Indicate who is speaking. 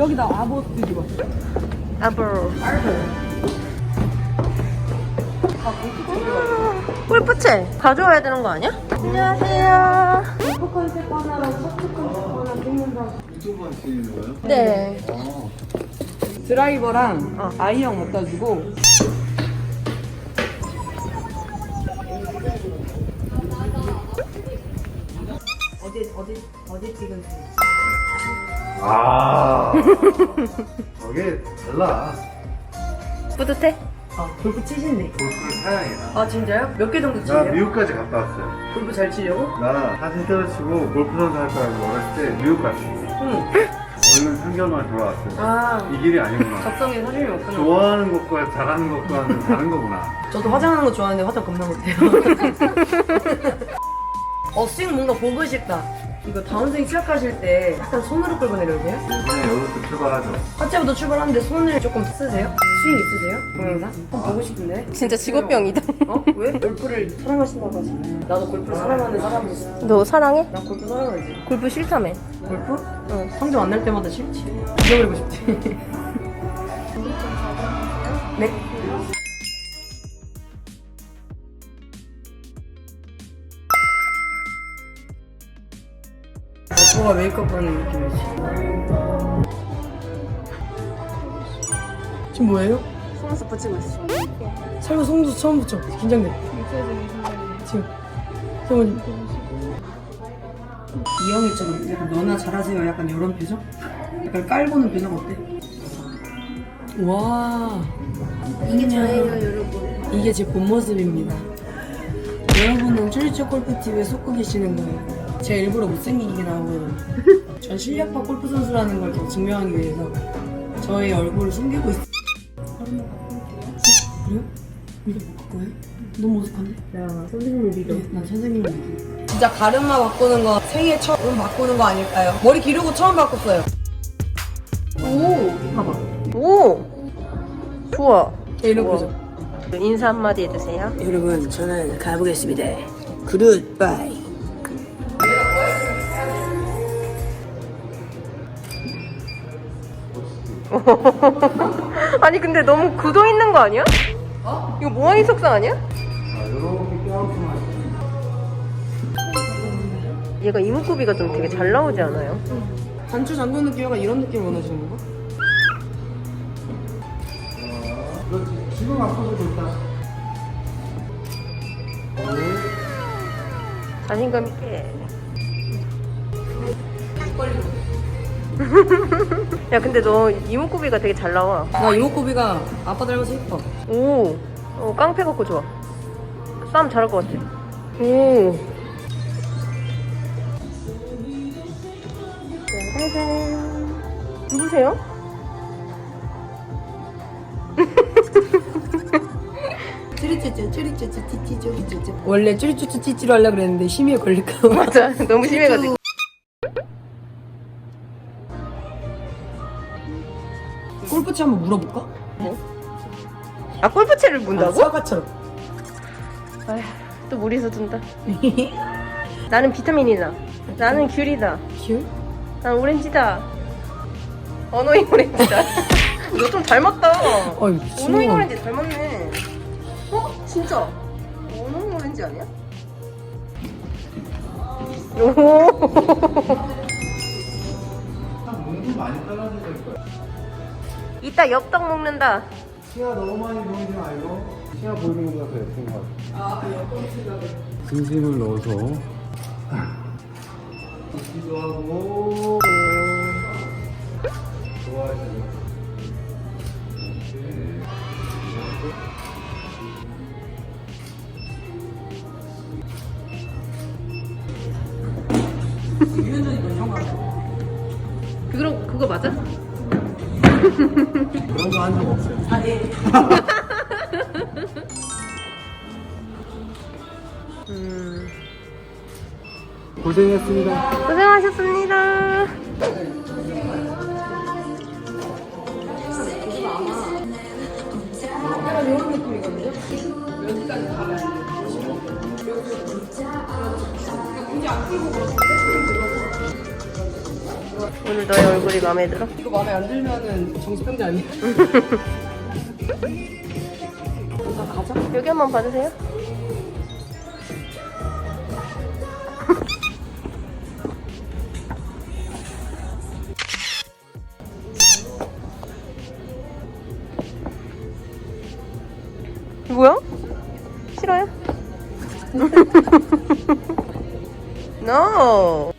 Speaker 1: 저기다 아보 뒤집어.
Speaker 2: 아버. 골프채 가져와야 되는 거 아니야? 안녕하세요.
Speaker 1: 골프 컨셉 하나랑 셔츠 컨셉 하나 찍는다.
Speaker 3: 유튜브 하시는 거예요?
Speaker 2: 네.
Speaker 1: 드라이버랑 아이언 갖다 주고. 어제 찍은
Speaker 3: 아, 저게 달라.
Speaker 2: 뿌듯해?
Speaker 1: 골프 치신대.
Speaker 3: 골프를 사양이야.
Speaker 2: 아 진짜요? 몇 개 정도
Speaker 3: 나
Speaker 2: 치세요?
Speaker 3: 미국까지 갔다 왔어요.
Speaker 2: 골프 잘 치려고?
Speaker 3: 나 사진 때려치고 골프 선수 할 거라고 어렸을 때 미국 갔어.
Speaker 2: 응.
Speaker 3: 얼른 3개월만 돌아왔어요.
Speaker 2: 아
Speaker 3: 이 길이 아니구나.
Speaker 2: 적성에 사진이 없구나.
Speaker 3: 좋아하는 것과 잘하는 것과는 다른 거구나.
Speaker 2: 저도 화장하는 거 좋아하는데 화장 겁나 못해요. 스윙 뭔가 보고 싶다. 이거 다운스윙 시작하실 때 약간 손으로 끌고 내려오세요?
Speaker 3: 이번에 여기서 출발하죠.
Speaker 2: 하체부터 출발하는데 손을 조금 쓰세요? 스윙 있으세요? 동영상? 한번 보고 싶은데. 진짜 직업병이다. 왜? 골프를 사랑하신다고 하시네. 나도 골프를 사랑하는 사람이지. 너 사랑해? 난 골프 사랑하지. 골프 싫다며. 골프? 응. 성적 안 날 때마다 싫지. 잊어버리고 싶지. 네? 오빠가 메이크업 하는 느낌이지. 지금 뭐예요?
Speaker 4: 속눈썹 붙이고 있어.
Speaker 2: 설마 속눈썹 처음 붙여. 긴장돼. 지금. 잠깐만. 이영애처럼 약간 너나 잘하세요. 약간 이런 표정? 약간 깔보는 표정 어때? 와.
Speaker 4: 이게 저예요, 여러분.
Speaker 2: 이게 제 본 모습입니다. 여러분은 쭈리쭈 골프TV에 속고 계시는 거예요. 제가 일부러 못생기게 나오고요. 전 실력파 골프 선수라는 걸 더 증명하기 위해서 저의 얼굴을 숨기고 있어요. 그래요? 믿어 볼 거예요? 너무 어색한데? 야, 선생님을 믿어. 네, 난 선생님을 믿어. 진짜 가르마 바꾸는 거 생애 처음 바꾸는 거 아닐까요? 머리 기르고 처음 바꿨어요. 오! 봐봐.
Speaker 4: 오! 좋아.
Speaker 2: 이런 거죠.
Speaker 4: 인사 한마디 해주세요.
Speaker 2: 여러분, 저는 가보겠습니다. 굿바이.
Speaker 4: 아니 근데 너무 굳어 있는 거 아니야? 이거 모양이 속상 아니야?
Speaker 3: 이렇게 껴안고만.
Speaker 4: 얘가 이목구비가 좀 되게 잘 나오지 않아요?
Speaker 2: 단추 잠그는 느낌 약간 이런 느낌 원하시는 건가?
Speaker 3: 그렇지. 지금 앞서도 좋다.
Speaker 4: 자신감 있게. 야 근데 너 이목구비가 되게 잘 나와.
Speaker 2: 나 이목구비가 아빠 닮아서 예뻐.
Speaker 4: 오, 깡패 같고 좋아. 싸움 잘할 것 같아. 오. 짜자잔. 누구세요?
Speaker 2: 쭈리쭈쭈 찌찌쭈리쭈쭈. 원래 쭈리쭈쭈 찌찌로 하려고 그랬는데 심의에 걸릴까 봐.
Speaker 4: 맞아. 너무 심해가지고.
Speaker 2: 골프채 한번 물어볼까?
Speaker 4: 아 골프채를 문다고?
Speaker 2: 사과처럼.
Speaker 4: 아휴, 또 무리해서 둔다. 나는 비타민이다. 나는 귤이다.
Speaker 2: 귤?
Speaker 4: 난 오렌지다. 어노잉 오렌지다. 너 좀 닮았다.
Speaker 2: 어이 미친.
Speaker 4: 어노잉 오렌지 닮았네. 진짜? 어노잉 오렌지 아니야? 오.
Speaker 3: 몸도 많이 떨어질 거야.
Speaker 4: 이따 엽떡 먹는다.
Speaker 3: 시야 너무 많이 보이지 말고 시야 보이는 것보다 더 예쁜 것 같아. 진심을 넣어서 웃기도 하고 좋아하시고.
Speaker 2: 유연전이 너 형 같아.
Speaker 4: 그거 맞아?
Speaker 3: 그런 거 한 적 없어요.
Speaker 2: 아 예.
Speaker 3: 고생했습니다.
Speaker 4: 고생하셨습니다.
Speaker 2: 약간 이런 느낌이거든요. 여기까지 가면 굳이 안 풀고 그렇게
Speaker 4: 오늘 너의 얼굴이 마음에 들어?
Speaker 2: 이거 마음에 안 들면은 정신병자 아니야? 가자.
Speaker 4: 여기 한번 봐주세요. 뭐야? 싫어요? No.